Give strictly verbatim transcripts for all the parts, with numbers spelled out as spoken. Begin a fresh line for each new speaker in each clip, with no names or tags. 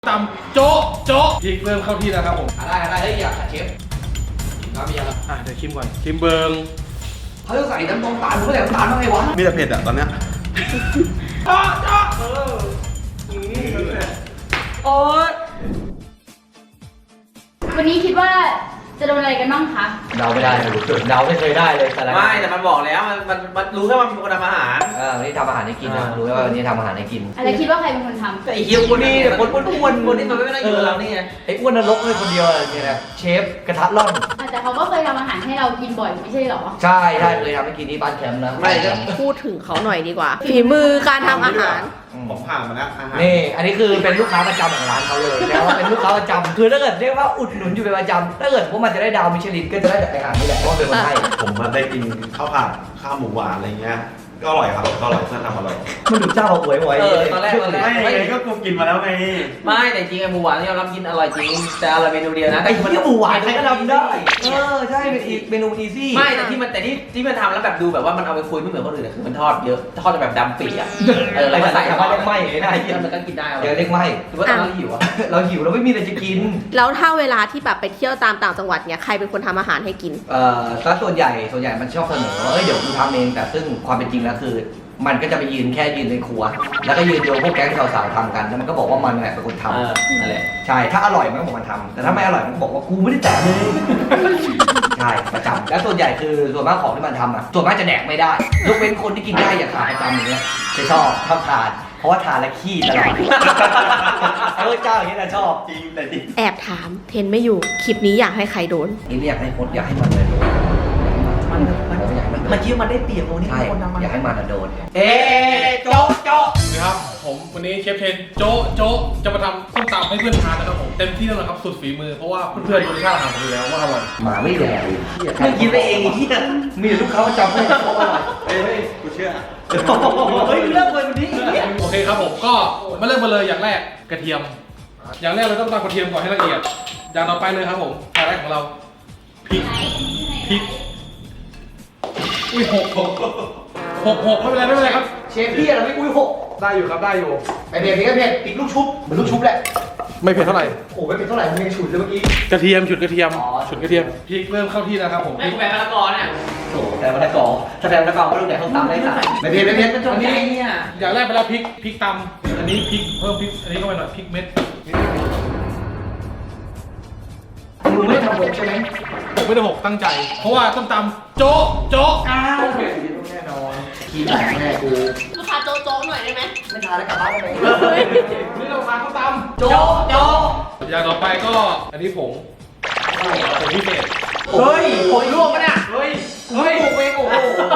ตำโจ๊ะโจ๊ะพริกเริ่มเข้าที่แล้วครับผม
อะไรอะไรเฮ้ยอยากขัดเชฟน้ำมีอะไร
อ่ะเดี๋ยวชิมก่อนชิมเบิง
เขาจะใส่น้ำตาลตาลมึงก็ใส่น้ำตาลมาไงวะ
มีแต่เผ็ดอ่ะตอนเนี้ย
โจ๊ะโจ๊ะเออ
โอ๊ย
วันนี้คิดว่าจะโดนอะไรกันบ้างคะ
เดาไม่ได้เลยเดาไม่เคยได้เลยแต่ละ
ไม่แต่มันบอกแล้วมันมันมันรู้แค่ว่ามันเป็นคนทำอาหาร
เออวันนี้ทำอาหารให้กินนะรู้ว่าวันนี้ทำอาหารให้กิน
อะไรคิดว่าใครเป็นคนทำ
แต่ไอ้เฮียคนนี้คนอ้วนๆคนที่มันไม่ได้อยู่กับเรานี่ไง
ไอ้อ้วนนรกเลยคนเดียวอะไรเนี่ยนะเชฟกระทะร่อน
อ่ะแต่เขาก็เคยทำอาหารให้เรากินบ่อยไม่ใช่เหรอ
ใช่ใช่เลยทำให้กินที่บ้านแคมป์นะ
ไม่ก็
พูดถึงเขาหน่อยดีกว่า ฝีมือการทำอาหาร
ผมผ่านมาแล้วอาหาร
นี่อันนี้คือเป็นลูกค้าประจำของร้านเขาเลยแล้วาเป็นลูกค้าประจำคือถ้าเกิดเรียกว่าอุดหนุนอยู่เป็นประจำถ้าเกิดว่ามันจะได้ดาวมิชลินก็จะได้จากอาหารนี่แหละเพราะว่าเป็นคนให้
ผมมาได้กินข้าวผัดข้าวหมูหวานอะไรเงี้ยก็อร่อยครับก็อร่อยเพื่อนทำอร่อย
มันดูเจ้าหวยหวย
เออตอนแรกตอนแรก
ไม่ไงก็กูกินมาแล้วไง
ไม่แต่จริงไอ้หมูหวานที่เรารับกินอร่อยจริงแต่อร่อยเมนูเดียวนะ
ไอ้ที่หมูหวานใครก็ทำได้เออใช่เป็นอีกเมนูอีซี่
ไม่แต่ที่มันแต่ที่ที่มันทำแล้วแบบดูแบบว่ามันเอาไปคุยไม่เหมือนคนอื่นอะคือมันทอดเยอะทอดแบบดำปีอ่ะเออ
ไอ้
แล้ว
ภา
ก็
ษา
ใส่
ชาวบ้านเรียกไหม้ไอ้นาย
ที่มันก็กินได้
เดี๋ยวเรียกไหม้
หรือว่าตอนเราหิวอ่ะ
เราหิวเราไม่มีอะไรจะกิน
แล้วถ้าเวลาที่แบบไปเที่ยวตามต่างจังหวัดเนี่ยใครเป็นคนทำอาหารให้กิน
เอ่อซะส่วนใหญ่ส่วนใหญ่มันชอบเสนอว่าเอ้ยเดี๋ยวกูทำเองแต่ซึ่งความเป็นจริงแล้วคือ มันก็จะไปยืนแค่ยืนในครัว แล้วก็ยืนดูพวกแก๊งสาวๆทำกันแล้วมันก็บอกว่ามันแหละเป็นคนท
เออนั่นแหละ
ำใช่ถ้าอร่อยมันก็บอกมันทำแต่ถ้าไม่อร่อยมันก็บอกว่ากูไม่ได้แตะเลยใช่ประจำแล้วส่วนใหญ่คือส่วนมากของที่มันทำอ่ะส่วนมากจะแดกไม่ได้ยกเว้นคนที่กินได้อย่างขาประจำอย่างเงี้ยจะชอบชอบทานเพราะว่าทานแล้วขี้ตลอดเออเจ้าอย่างนี้นะชอบ
จริงแต่จริง
แอบถามเทนไม่อยู่ คลิปนี้อยากให้ใครโดน
นี่ไม่อยากให้พดอยากให้มันเลยโดน
มันมัน
อยากให้มันโดน
มันคิดว่ามันได้เปรียบโมนี่
ใช่
คนทำมัน
อยากให้มันโดน
เอ๊ะโจ๊ะโจ๊ะ
นะครับผมวันนี้เชฟเทนโจ๊ะโจ๊ะจะมาทำส้มตำให้เพื่อนทานนะครับผมเต็มที่แล้วนะครับสุดฝีมือเพราะว่าเพื่อนๆรู้รสชาติอาหารอยู่แล้วว่าอร่อย
หมาไม่แดกเลย
มึงกินไปเองไอ้เหี้ย
มีแต่ลูกค้าประจำให้เขาอร่อย
เฮ้ยกูเชื่อ
เฮ้ยเลิกเลยวันนี้
โอเคครับผมก็มาเริ่มกันเลยอย่างแรกกระเทียม อย่างแรกเราต้องตำกระเทียมก่อนให้ละเอียดอย่างต่อไปเลยครับผมอย่างแรกของเราพริกพริกอุ้ยหกหกหกหกไม่เป็นไรไม่เป็นไรครับ
เชฟพี่เราไม่อุ้ยหก
ได้อยู่ครับได้อยู่
ไอเผ็ดนี่ก็เผ็ดติดลูกชุบเหมือนลูกชุบแหละ
ไม่เผ็ดเท่าไหร่
โอ้ไม่เป็นเท่าไหร่มึงยังฉุนเลยเมื่อกี้
กระเทียมฉุดกระเทียม
อ๋อ
ฉุดกระเทียมพริกเริ่มเข้าที่แล้วครับผม
ไม่แปลมะละกอเนี่ย
โอ้แต่มะละกอถ้าแต่มะละกอก็ต้องแดกข้าวตำได้สักไม่เผ็ดไม่เผ็ด
มันจงใจเนี่ย
อย่างแรกไปแล้วพริกพริกตำอันนี้พริกเพิ่มพริกอันนี้เข้าไปหน่อยพริกเม็ด
มึงไม่ได้ทำหกใช่ไหม
ผมไม่ได้หกตั้งใจ เพราะว่าต้มตำโจ๊ะโจ๊ะอ้าว
แน่นอนขี้แตกแน่กู
ลูกค้าโจ๊ะๆหน่อยได้ไหม
ไม่ทานแล้วกลับบ้านได้ไหม
นี่เราทานข้าวตำ
โจ๊ะโจ๊ะ
อย่างต่อไปก็อันนี้ผงผงพิเศษ
เฮ้ยโอ้ยลวกปะเนี่ยเฮ้ยเฮ้ยปลูกเองโอ้โห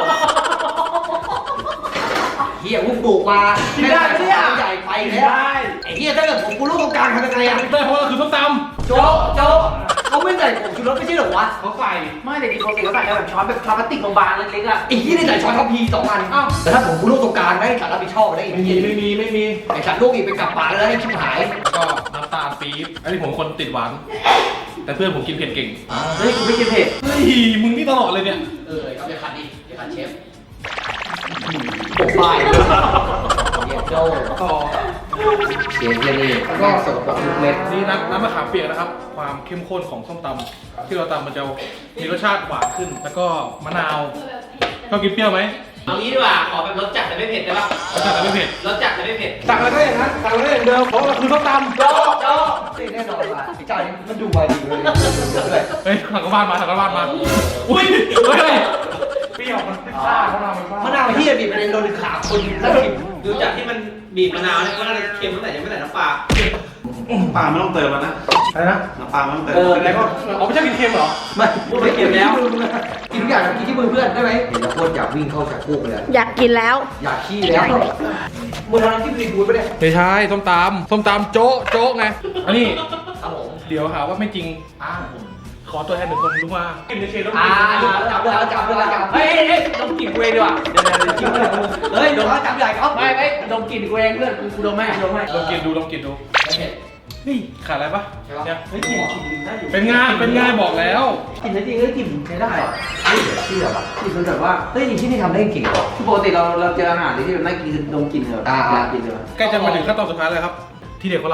เฮียมึงปลูกมากินได้ปะเนี่ยใหญ่ไปแล้วไอ้เฮียถ้าเกิดผมกูลูกตรงกลางทำยังไงอะ
ได้เพราะว่าคือส้มต
โจ๊ะโจ๊ะเขาไม่ใส่ผงชูรสไม่ใช่เหรอวะ
ำเขาใส่
ไม่แต่ดีปกติเขาใส่แบบช้อนแบบช้อนพลาสติกบางๆเล็กๆอ่ะ
ไอ้ที่นี่ใส่ช้อนทัพพีสองอันอ้าวแต่ถ้าผมกูลูกตรงกลางได้สารรับผิดชอบได้อีก
ไม่มีไม่มีไม่มี
ไอ้สัตว์ลูกอีกเป็นกลับปากแล้วให้ชิบหาย
แล้วก็น้ำตาลปี๊บอันนี้ผมคนติดหวาน แต่เพื่อนผมกินเผ็ดเก่ง
เฮ้ยกูไม่กินเผ็ด
เฮ้ยมึงนี่ตลอดเลยเนี่ย
เออเอาไปขัดดิไปขัดเชฟปกป้ายเย็ดโจ้
ต่อ
เชฟเยนี่ก็สกปรกทุกเม็ด
นี่น้ำน้ำมะขามเปียกนะครับ ความเข้มข้นของส้มตำที่เราตำมันจะมีรสชาติหวานขึ้น แล้วก็มะนาวชอบกินเปรี้ยวไหม
เอางี้ดีกว่าขอแบบรสจัดแต่ไม่เผ็ดได้ปะ
รสชาติแต่ไม่เผ็ด
รสจัดแต่ไม่เผ็ด
สั่งอะไรก็อย่างนั้นสั่งอะไรอย่างเดิมเพราะเราคือส้มตำ
โจ๊ะโจ๊ะนี่แน่นอนว่ะไอ้เจ้านี่มันดูมาดีเลยเลย
เฮ้ยสั่งกระบ้านมาสั่งกระบ้านมาอุ้ยเฮ้ยเปรี้ยวมันซ่าเขาทำมันซ่าม
ะนาวเฮียบีบไปในโดนขาคนสักสิบ
ดูจากที่มันบีบมะนาวเนี่ยก็น่าจะเค็มตั้งแต่ยังไม่ใส่น้ำปลา
ปลาไม่ต้องเติมแล้วนะ
อะไรนะ
น้ำปลาไม่ต้องเติม
เออ
อะไรก็เอาไม่ใช่กินเค็มเหรอ
ไม่
พูดไปเก็บแล้ว
กินทุกอย่างกินที่มือเพื่อนได้ไหมเห็นแล้วโคตรอยากวิ่งเข้าชักโครกเลย
อยากกินแล้ว
อยากขี้แล้วมึงทำน้ำจิ้มซีฟู้ดปะเนี่ย
ไม่ใช่ส้มตำส้มตำโจ๊ะโจ๊ะไงอันนี้
ครับผม
เดี๋ยวหาว่าไม่จริงอ่าขอตัวแทนหนึ่งคนรู้ว่ากินในเชนต้อง
อ่า
กิน
จับเลยจับเลยจับ
เฮ้ยเฮ้ยดมกลิ่นกูเองดีกว่าเดี๋ยวเดี๋ยวเดี๋ยว
เฮ้ยเดี๋ยวเขาจับใหญ่เขา
ไม่ไม่ดมกลิ่นกูเองเพื่อนกูดมให้ดมให้
ลองกินดูลองกินดูนี่ขาดอะไรปะเนี่ย
เฮ้ยกลิ่นกลิ่นได้อยู่
เป็นงานเป็นงานบอกแล้ว
กลิ่นจริงๆก็กลิ่นใช้ได้
เฮ้ยเดี๋ยวเชื่อป่ะ
กลิ่นมันแบบว่า
เฮ้ยที่นี่ทำได้จริงเหรอ
คือปกติเราเราเจออาหารที่แบบน่ากินคือดมกลิ่นแบบ
อ่า
อยากกินเลย
ใกล้จะมาถึงขั้นตอนสุดท้ายเลยครับ ที่เด็ดของเรา
เ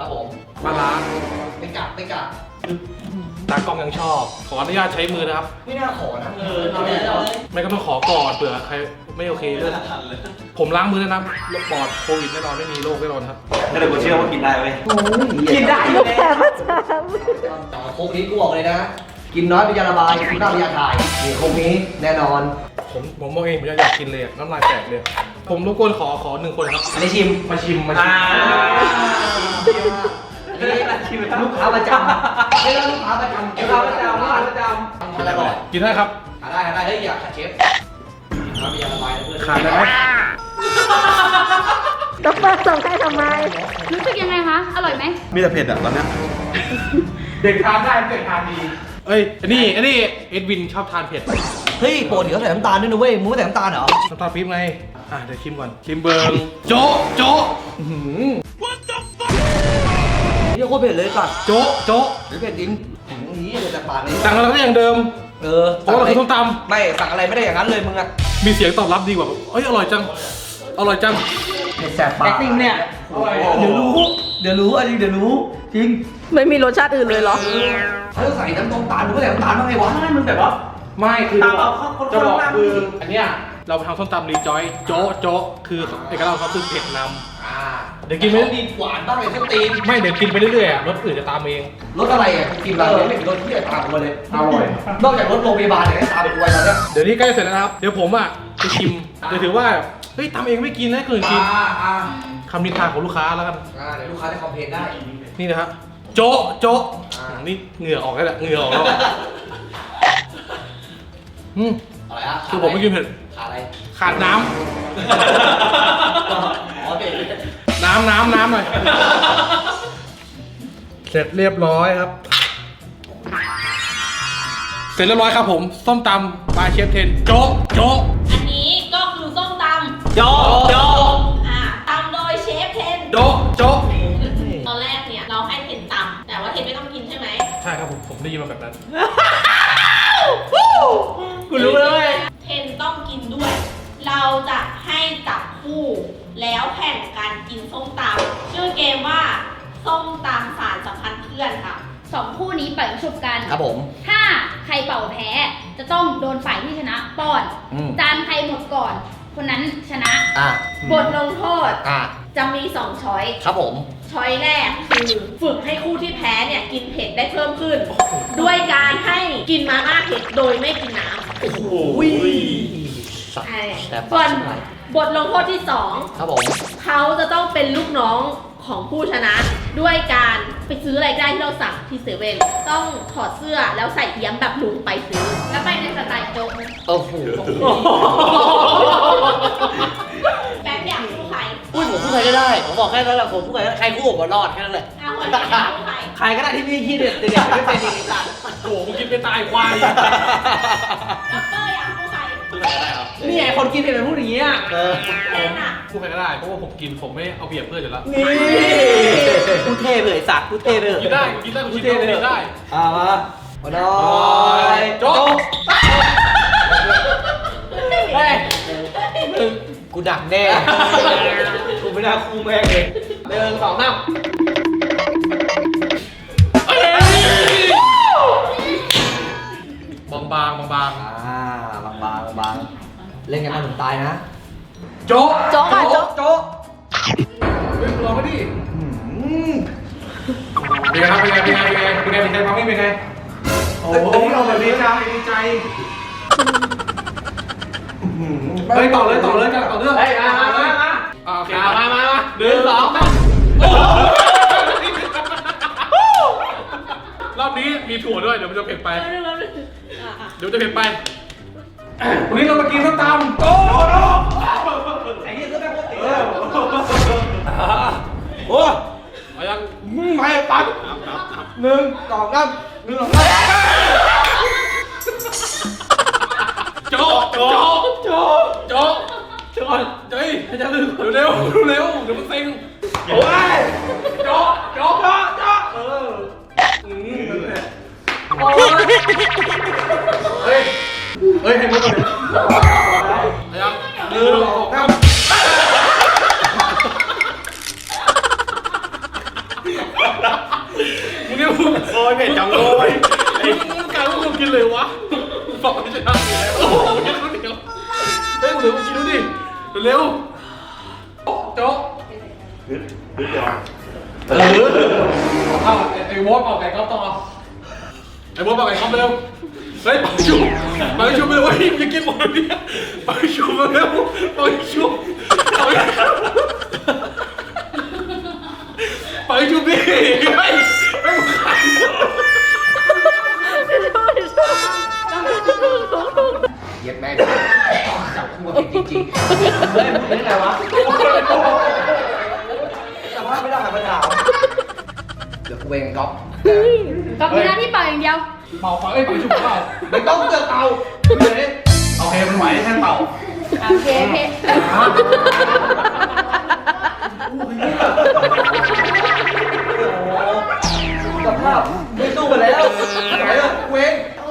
ครับผม
ปลาร้า
ไม่กัดไม่กัด
ตากล้องยังชอบ ขออนุญาตใช้มือนะครับ
ไม่น่าขอนะ
เออเอาเลยเอาเลย
ไม่ก็ต้องขอก่อนเผื่อใครไม่โอเคเรื่องผมล้างมือแล้วนะปลอดโควิดแน่นอนไม่มีโรคแน่นอนครับ
ก็เลยกูเชื่อว่ากินได้เว้ย
กินได้อยู่แล้ว
โคกนี้กูบอกเลยนะ กินน้อยเป็นยาระบายกินมากเป็นยาถ่ายนี่โคกนี้แน่นอน
ผมผมมองเองผมอยากกินเลยอะน้ำลายแตกเลย ผมรบกวนขอขอหนึ่งคนครับ
อันนี้ชิม
มาชิมมาชิ
อ่าม
อันนี้ลูกค้าประจำไม่ใช่ลูกค้าประจำ
ลูกค้าประจำลูกค้าประจ
อะไรก่อน
กินได้ครับ
หาได้หาได้เฮ้ยอย่าขัดเชฟน้ำเป็นยาระบายนะเพื่อน
ขาดได้ไหม
ดอกเตอร์ส่งให้ทำไม
รู้สึกยังไงคะ อร่อยไหม
มีแต่เผ็ดอ่ะตอนเนี้ย
เด็กทานได้เด็กทานดีเอ้ยอันนี้อันนี้เอ็ดวินชอบทานเผ็ด
เฮ้ยปกติเขาใส่น้ำตาลด้วยนะเว้ยมึงไม่ใส่น้ำตาลเหรอ
น้ำตาลปี๊บไงอ่ะเดี๋ยวชิมก่อนชิมเบิร์งโจ๊ะโจ๊ะอื้อหือ
นี่โคตรเผ็ดเลยสัตว์
โจ๊ะโจ๊ะ
หรือเผ็ดจริงหืมนี่เลยแต่ปากเลย
สั่งอะไรก็อย่างเดิม
เออ
เพราะว่าเราคือส้มต
ไม่สั่งอะไรไม่ได้อย่างนั้นเลยมึงอะ
ำมีเสียงตอบรับดีกว่าแบบเอ้ยอร่อยจังอร่อยจัง
เผ็ดแสบ
ำ
ปาก
แอคติ้งเนี่ย
เดี๋ยวรู้ เดี๋ยวรู้อันนี้เดี๋ยวรู้ จริง
ไม่มีรสชาติอื่นเลยเหรอ
เขาใส่น้ำตาลมึงไม่ใส่น้ำตาลบ้างไงวะ
ใช่มันแบบว่า
ไม่คือ
ตามเอาเข้าคน
จะบอก
คนละ
คืออันเนี้ยเราไปทำส้มตำรีจอยโจ๊ะโจ๊ะคือเอกลักษณ์ของเขาคือเผ็ดน
อ่า
ำเดี๋ยวกินไป
มีหวานบ้างเลยส้นตีน
ไม่เดี๋ยวกินไปเรื่อยๆอะรสอื่นจะตามเอง
รสอะไรอ่ะกินอะไรไม่มีรสที่จะตามกูมาเลยอร่อยนอกจากรสโรงพยาบาลเนี่ยให้ตามกูไปแล้วเนี่ย
เดี๋ยวนี้ใกล้เสร็จแล้วนะครับ เดี๋ยวผมอ่ะจะชิมเดี๋ยวถือว่าเฮ้ยทำเองไม่กินนะให้คนอื่นกิน
อ่าอ่า
คำนินทาของลูกค้าแล้วกัน
อ่าเดี๋ยวลูกค้าจะคอมเพลนได้
นี่นะครับโจ๊ะโจ๊ะ
อ่า
นี่เหงื่อออกแล้วแหละเหงื่อออกแล้วอืม
อะไรฮะ
คือผมไม่กินเผ็ด
ขาดอะไร
ขาดน้
อ๋อเด็ด
ำน้ำน้ำน้ำหน่อยเสร็จเรียบร้อยครับ เสร็จเรียบร้อยครับผมส้มตำบายเชฟเทนโจ๊ะโจ๊ะ
อันนี้ก็คือส้มต
โจ๊ะโจ๊ะ
ำอ่าตำโดยเชฟเทน
โจ๊ะโจ๊ะ
ตอนแรกเนี่ยเราให้เทนตำแต่ว่าเทนไม่ต้องกินใช่ไหม
ใช่ครับผมผมได้ยินมาแบบนั้น
กูรู้เลย
เทนต้องกินด้วย เราจะให้จับคู่แล้วแข่งกันกินส้มตำชื่อเกมว่าส้มตำสารสัมพันธ์เพื่อนค่ะ
สองคู่นี้เป่าชุบกัน
ครับผม
ถ้าใครเป่าแพ้ จะต้องโดนฝ่ายที่ชนะป้อน
อืม
จานใครหมดก่อน คนนั้นชนะ
อ่า
บทลงโทษ
อ่า
จะมีสองช้อย
ครับผม
ช้อยแรกคือฝึกให้คู่ที่แพ้เนี่ยกินเผ็ดได้เพิ่มขึ้น ด้วยการให้กินมาม่าเผ็ดโดยไม่กินน้ำ
โอ้โห
ใช่
แซ่บ
ส่วน
ใช่
บทลงโทษที่สอง
ครับผม
เขาจะต้องเป็นลูกน้องของผู้ชนะ ด้วยการไปซื้ออะไรได้ที่เราสั่งที่เซเว่นต้องถอดเสื้อแล้วใส่เอี้ยมแบบลุงไปซื้อ แล้วไปในสไตล์โจ๊กนะ
โอ้โห
แป๊บอยากคู่ใคร
อุ้ยผมพูดใครก็ได้ ผมบอกแค่นั้นแหละผมพูดใครก็ได้ใครคู่ผมรอดแค่นั้นแหละ
เอาคนอยากคู่ใคร
ใครก็ได้ที่มีขี้เด็ดเด็ดไม่เป็นอีกสัตว์
โอ้โหมึงกินไปตายควาย
ด็อกเตอร์อยากคู่ใคร
นี่ไงคนกินเผ็ดเป็นผู้อย่างเงี้ย
เออ
เทนอ่ะ
พูดใครก็ได้ เพราะว่าผมกินผมไม่เอาเปรียบเพื่อนอยู่แล้ว
นี่กูเท่เลยสัตว์กูเท่เลย
กินได้กินได้กูกินได้กูกินได้
อ่ามามาหน่อย
โจ๊ะ
เฮ้ย
กูดักแน่
กูไม่น่าคู่แม่งเลยหนึ่งสองสาม
บางบางบางบาง
อ่าบางบางบางเล่นกันมาถึงตายนะ
โจ๊ะ
โจ๊กอ่ะโจ๊ก
โจ๊ะ
เฮ้ยลองมาดิ
อืม
เป็นไงครับเป็นไงเป็นไงเป็นไงเป็นไงเป็นไงความไม่เป็นไงโอ้โหเราแบบดีใจดีใจเฮ้ยต่อเลยต่อเลยกันต่อเรื่อง
เฮ้ยมามามามา
อ่าโอเค
มามามามาหนึ่งสองสาม
รอบนี้มีถั่วด้วยเดี๋ยวมันจะเผ็ดไป
เร็วๆๆอ่ะอ่ะ
เดี๋ยวจะเผ็ดไปวันนี้เรามากินส้มตำโจ๊ะโจ๊ะ
ไอ้เหี้ยก็แม่งโคตรติด
เอ
เลย
อโอ้เอายังไม่ปั๊บ
หนึ่งสองสามหนึ่งสองสาม
โจ๊ะโจ๊ะโจ๊ะโจ๊ะโจ๊ะเฮ้ยจะลืมเร็วเร็วเดี๋ยวมันเซ็งโอ้ยโจ๊ะโจ๊ะโจ๊ะโจ๊ะเอออืมนั่นแหละโอ้ยเฮ้ยเฮ้ยให้มุกกันเลยเอายังหนึ่งสองสามมึง
โอ้ยเผ็ดจังเลย
ไอ้มึงการมึงกินเลยวะบอกไม่ใช่ได้โอ้โหกินคนเดียวเฮ้ยมึงเดี๋ยวมึงกินดูดิเร็วโจ๊ก
นิดนิดเดียว
เออเอาไอ้วอสเอาไก่ก๊อฟต่อไอ้วอสเอาไก่ก๊อฟเร็วเฮ้ยไปชุบไปชุบไปเลยเว้ยอย่ากินหมดเลยไปชุบเร็วไปชุบไปชุบดิไปไปมึงขาย
เย็บแม่งจับคู่มาผิดจริงๆเฮ้ยมึงเป็นไงวะแต่ว่าไม่ได้หันมาถามเดี๋ยวกูเองก๊อฟ
ก็มีหน้าที่เป่าอย่างเดียว
เป่าเป่าเอ้ยเป่าชุบเปล่า
ไม่ต้องเจอเตาเดี๋ยวนี้
โอเคมันไหวแค่เป่า
โอเคโอเค
สภาพไม่สู้กันแล้วไหนอะกูเอง
โอ้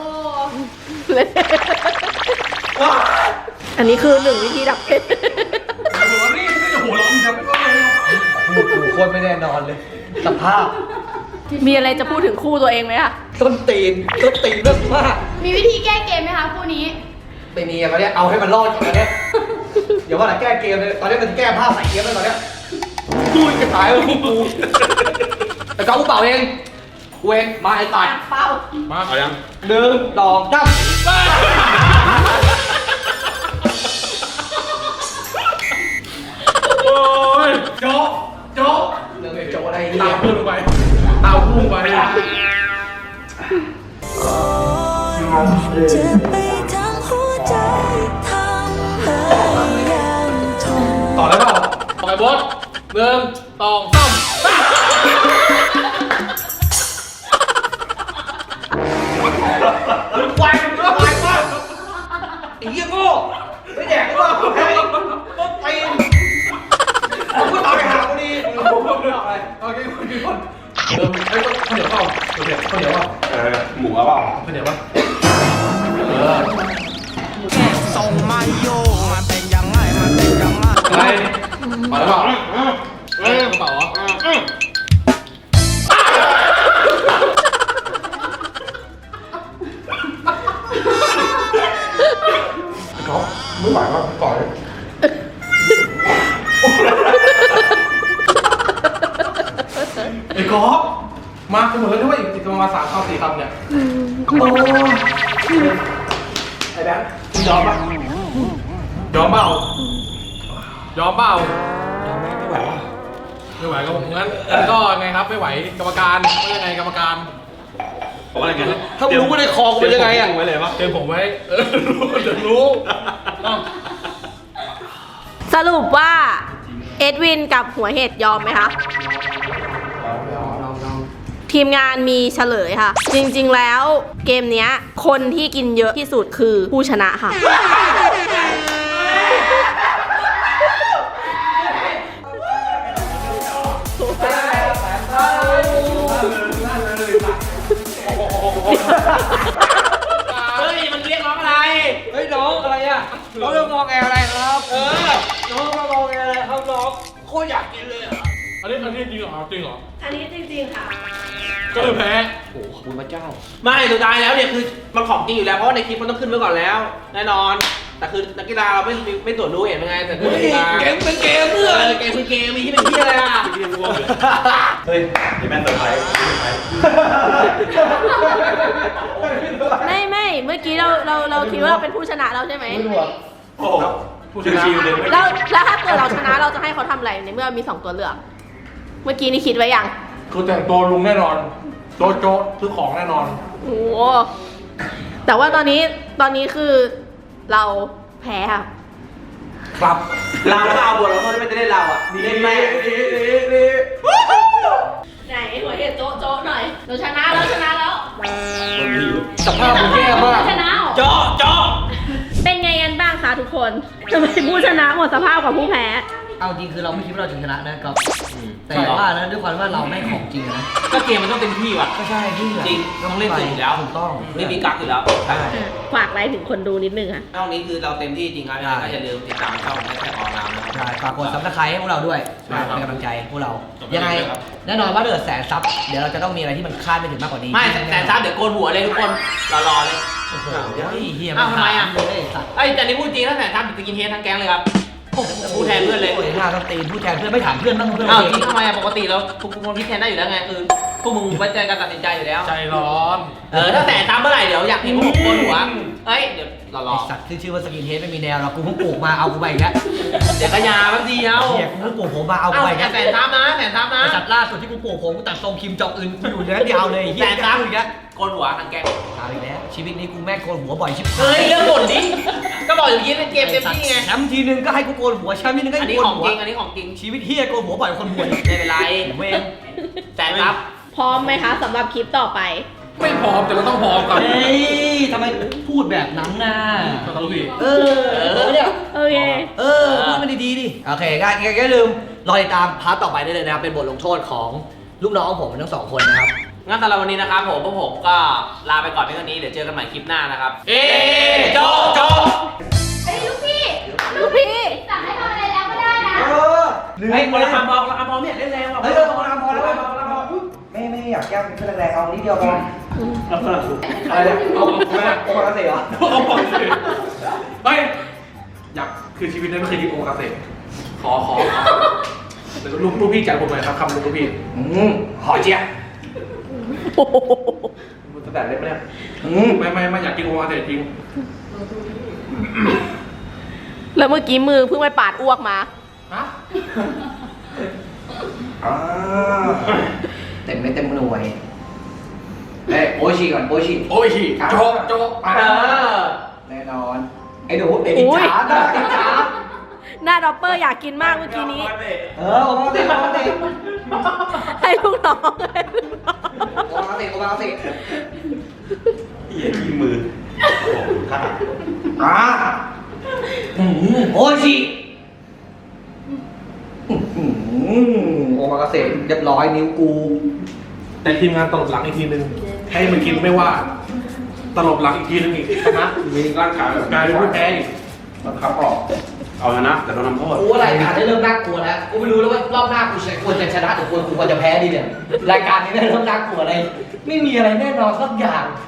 อันนี้คือหนึ่งวิธีดับเผ็ด
หัวนี่ไม่หัวร้อนจะไม่ก็เลย
คู่กูโคตรไม่แน่นอนเลย สภาพ
มีอะไรจะพูดถึงคู่ตัวเองไหมคะ
ต้นตีนต้นตีนเรื่องมาก
มีวิธีแก้เกมไหมคะคู่นี้
ไม่มีอะตอนเนี้ยเอาให้มันรอดก่อนตอนเนี้ยเดี๋ยวว่าแต่แก้เกมเลยตอนนี้มันแก้ผ้าใส่เกมแล้วตอนเนี้ยดูจะตายแล้วกูแต่ก็กูเป่าเองกูเองมาไอ้ตัด
เป่า
มา
เอายัง
หนึ่งสองสาม
โอ้ยโจ๊ะโจ๊ะ
เรื่องไอ้โจอะไร
ตา
เนี่ย
พุ่งลงไปตาพุ่งไป
เจ็บไปทั้งหัวใจทำให้ยังทน
ต่อได้เปล่าต่อไปบอสหนึ่งสองสาม
ควายมันควายมากไอ้เหี้ยโง่ไม่แดกก็ว่าแพ้ต้นตีนผมก็ตายหาคนดีผมก็เลือกอะไร
โอเคคนกี่คนเริ่มไอ้ข้าวเหนียวเปล่าข้าวเหนียวข้าวเหนียวเปล่า
เออหมูเอาเปล่า
ข้าวเหนียวเปล่าเออ
ส่งมาโยมันเป็นยังไง มันเป็นยังไง
อะไรมาแล้วเปล่าเอ้ยกระเป๋าเหรอ
เขาไม่ไหวว่ะก่อนเลย
ไอ้กอล์ฟมาจะหมดแล้วด้วยอีกประมาณสามคำสี่คำเนี่ยโอ้ไอ้แบงค์ยอมปะยอมเปล่ายอมเปล่า
ไม่ไหวว่ะ
ไม่ไหวก็ผมงั้นงั้นก็ไงครับไม่ไหวกรรมการว่ายังไงกรรมการ
บอกว่าอะไรกัน
ถ้ามึงรู้ว่าในคอกูเป็นยังไงอ่ะ
ไว้เลยปะ
เตือนผมไว้เออรู้เดี๋ยวรู้อ้าว
สรุปว่า เอ็ดวินกับหัวเห็ดยอมไหมคะ ทีมงานมีเฉลยค่ะ จริงๆแล้วเกมเนี้ย คนที่กินเยอะที่สุดคือผู้ชนะค่ะ
เฮ้ยมันเรียกร้องอะไร
เฮ้ยน้องอะไรอ่ะน้องเรื่องงอแงอะไรครับ เออ น้องมางอแงอะไรครับน้องโคตรอยากกินเลยอ่ะ
อันนี้อันนี้จริงเหรอจริงเหรอ
อันนี้จริงๆค่ะ
ก็คือแพ้
โอ้ขอบคุณพระเจ้า
ไม่สุดท้ายแล้วเนี่ยคือมันของจริงอยู่แล้วเพราะว่าในคลิปมันต้องขึ้นไว้ก่อนแล้ว แน่นอน แต่คือนักกีฬาเราไม่ไม่ไม่ตรวจรู้เห็นยังไงแต่คือนักกีฬา
เกมเป็นเกมเพื่
เอ
อน
อเกมคือเกมมีที่เป็นที่อะไรอ่ะ
เรียกว่าเฮ้ยนี่แม่นเซอร์ไพรส์เซอร์ไพรส์
ไม่ไม่เมื่อกี้เราเราเราคิดว่าเราเป็นผู้ชนะแล้วใช่ไหม
ไม่รู้อ่ะ
โอ้โห
ผู้ชนะ
ชิวๆเลยไม่
แล้วแล้วถ้าเกิดเราชนะเราจะให้เขาทำอะไรในเมื่อมีสองตัวเลือก เมื่อกี้นี่คิดไว้ยัง
คือแต่งตัวลุงแน่นอนโจ๊ะโจ๊ะซื้อของแน่นอน
โอ้โหแต่ว่าตอนนี้ตอนนี้คือเราแพ้ค่ะ
ครับ
เราก็เอาบทแล้วเขาไม่ได้เล่นเราอ่ะเล่นแม่
ไหนหัวเห็ดโจ๊ะโจ๊ะหน่อย
เราชนะแล้วชนะแล้ว
สภาพมึงแย่มาก
ชนะเหรอ
เจาะเจาะ
เป็นไงกันบ้างคะทุกคนทำไมผู้ชนะหมดสภาพกว่าผู้แพ้
เอาจริงคือเราไม่คิดว่าเราจะชนะนะครับ แต่ว่านะด้วยความว่าเราไม่ของจริงนะ
ก็จกมมันต้องเต็มที่ว่ะ
ก็ใช่พี่
จริงต้องเล่นสุดอยู่แล้ว
ถูกต้อง
ไม่มีกักอยู่แล้ว
ใช่
ฝากอะไรถึงคนดูนิดนึงค่ะ
ช่องนี้คือเราเต็มที่จริงครับยังไงก็อย่าลืมติดตามช่องแท็กออนไลน์นะครับ
ใช่ฝากกดซับสไครต์ให้พวกเราด้วย
ใช่ครับ
เป็นกำลังใจให้พวกเรา
จบ
ยังไง
เลยครับ
แน่นอนว่าถ้าเกิดแสนซับเดี๋ยวเราจะต้องมีอะไรที่มันคาดไม่ถึงมากกว่านี้
ไม่แต่ซับเดี๋ยวโกนหัวเลยทุกคนรอๆเลย
โอ้โหเฮีย
อ้าวทำไมอ่ะ
เลยสัตว์
ไอ้ยแต่นี่พูดจริงถ้าแต่ซับจะกินเฮดทั้งแก๊งเลยครับพูดแทนเพื่อนเลย
โอ้ยหน้าต้องตีนพูดแทนเพื่อนไม่ถามเพื่อนบ้างเพื่อน
อ้าว
เอ
จริ
ง
งทำไมอ่ะปกติเราทุกคนคิดแทนได้อยู่แล้วไงคือพวกมึงไว้ใจการตัดสินใจอยู่แล้ว
ใจร้อน
เออถ้าแต่ซับเมื่อไหร่เดี๋ยวอยากเห็นพวกผมโกนหัวเอ้ยเดี๋ยวรอ
ไอสัตว์ที่ชื่อว่าสกินเฮดไม่มีแนวหรอกกูเพิ่งปลูกมาเอากูไปอีกแล้ว
ๆเดี๋ยวก็ยาแป๊บเดียว
เฮียกูเพิ่งปลูกผมมาเอากู
เอ้า
ไปอีกแล้ว
แสนซับนะแสนซับนะ
ไอสัตว์ล่าสุดที่กูปลูกผมกูตัดทรงคิมจองอึนกูอยู่เนื้อเดียวเลยเฮีย
แสนซับ
อีกแล้ว
โกนหัวทั้งแก๊ง
ตายอีกแล้วชีวิตนี้กูแม่งโกนหัวบ่อยชิบหาย
เฮ้ยเรื่องบ่นดิก็บอกอย่างนี้เล่นเกมเต็มที่ไง
แชมป์ทีนึงก็ให้กูโกนหัวแชมป์ทีนึงก็
อัน
ให้
นี้
กูโก
ข
น
อง
หัว
จริงอันนี้ของจริง
ชีวิตเฮียโกนหัวบ่อยกว่าคนรวย
ไม่เป็นไร
เวร
แสนซับ
พร้อมไหมคะสำหรับคลิปต่อไป
ไม่พร้อมแต่เราต้องพร้อมก่อน
เฮ้ยทำไมพูดแบบนั้นน่ะ
เราต้องพี่
เออเนี่ย
โอเค
เออพูดมันดีๆดิโอเคก็อย่าลืมรอติดตามพาร์ทต่อไปได้เลยนะครับเป็นบทลงโทษของลูกน้องผมทั้งสองคนนะครับ
งั้นสำหรับวันนี้นะครับผมพวกผมก็ลาไปก่อนเพียงเท่านี้เดี๋ยวเจอกันใหม่คลิปหน้านะครับ เอ๊โจโจ
เฮ้ยลูกพี่
ลูกพี่
สั่งให้ทำอะไรแล้วก็ได้นะ
เออ
ไอ้ยคนละคำพอคนละคำพอไม่อยากเล่นแรงหรอก
เฮ้ยเออพอแล้วพอแล้วพอแล้วพอแล้วไม่ไม่อยากแก้เป็นแรงๆเอานิดเดียวพออะไรเนี่ยเอาไม่ได้โอ้มาเสียเหรอ
เอาพอสิเฮ้ยอยากคือชีวิตนั้นไม่เคยกินโอมากาเสะขอขอขอเดี๋ยวลูกลูกพี่จัดผมหน่อยครับคำลูกพี่
อืมหอเจี๊ยบ
มันจะแดดเล็บไหมเนี่ย
อืม
ไม่ไม่ไม่อยากกินโอมากาเสะจริง
แล้วเมื่อกี้มือเพิ่งไปปาดอ้วกมา
ฮะ
อ่าเต็มไม่เต็มหน่วยเอ้ยโอชิก่อนโอชิ
โอ้ยฉี่โจโจอ่ะ
เออ
แน่นอน ไอ้หนูเด็กอิจฉานะอิจฉา
หน้าด็อปเปอร์อยากกินมากเมื่อกี้นี้
เออโอมาเตะโอมาเตะ
ให้ลูกน้องให้ลูกน้อง
โอมาเตะโอมาเตะ
เหี้ยขี้มือโอ้โหข้า
อ่าอืมโอชิอืมโอมากาเสะเรียบร้อยนิ้วกู
แต่ทีมงานตลบหลังอีกทีนึง ให้มันกินไม่ว่า ตลบหลังอีกทีนึงอีกชนะมีร่างกายแบบกลายเป็นผู้แพ้อีกบังคับออก
เอาชนะแต่โดนทำโทษ
กูว่ารายการได้เริ่มน่ากลัวแล้ว กูไม่รู้แล้วว่ารอบหน้ากูจะควรจะชนะหรือควรกูควรจะแพ้ดีเนี่ย รายการนี้ได้เริ่มน่ากลัวอะไร ไม่มีอะไรแน่นอนสักอย่าง